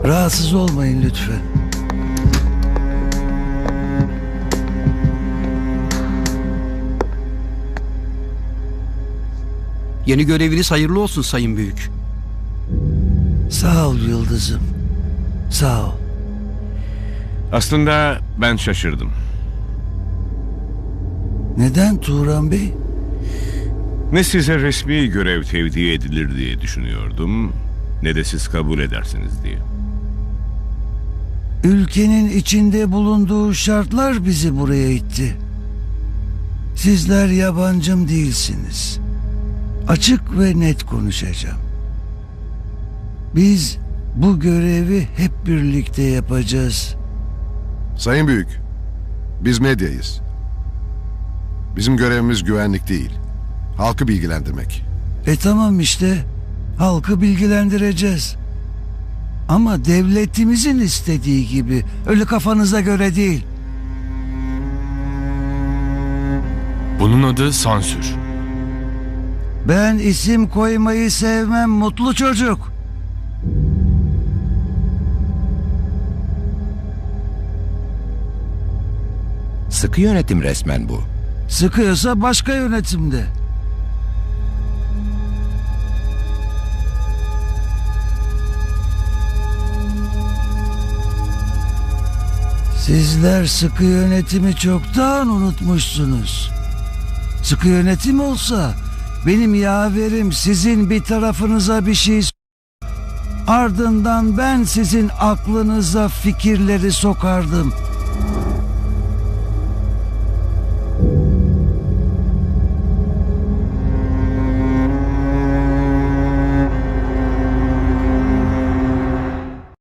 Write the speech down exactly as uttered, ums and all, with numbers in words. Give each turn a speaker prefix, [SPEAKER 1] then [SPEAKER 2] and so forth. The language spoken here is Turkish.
[SPEAKER 1] Rahatsız olmayın lütfen.
[SPEAKER 2] Yeni göreviniz hayırlı olsun Sayın Büyük.
[SPEAKER 1] Sağ ol Yıldız'ım. Sağ ol.
[SPEAKER 3] Aslında ben şaşırdım.
[SPEAKER 1] Neden Turan Bey?
[SPEAKER 3] Ne size resmi görev tevdi edilir diye düşünüyordum, ne de siz kabul edersiniz diye.
[SPEAKER 1] Ülkenin içinde bulunduğu şartlar bizi buraya itti. Sizler yabancım değilsiniz. Açık ve net konuşacağım. Biz bu görevi hep birlikte yapacağız.
[SPEAKER 4] Sayın Büyük, biz medyayız. Bizim görevimiz güvenlik değil, halkı bilgilendirmek.
[SPEAKER 1] E tamam işte, halkı bilgilendireceğiz. Ama devletimizin istediği gibi, öyle kafanıza göre değil.
[SPEAKER 5] Bunun adı sansür.
[SPEAKER 1] Ben isim koymayı sevmem mutlu çocuk.
[SPEAKER 6] Sıkı yönetim resmen bu.
[SPEAKER 1] Sıkıyorsa başka yönetimde. Sizler sıkı yönetimi çoktan unutmuşsunuz. Sıkı yönetim olsa benim yaverim sizin bir tarafınıza bir şey ardından ben sizin aklınıza fikirleri sokardım.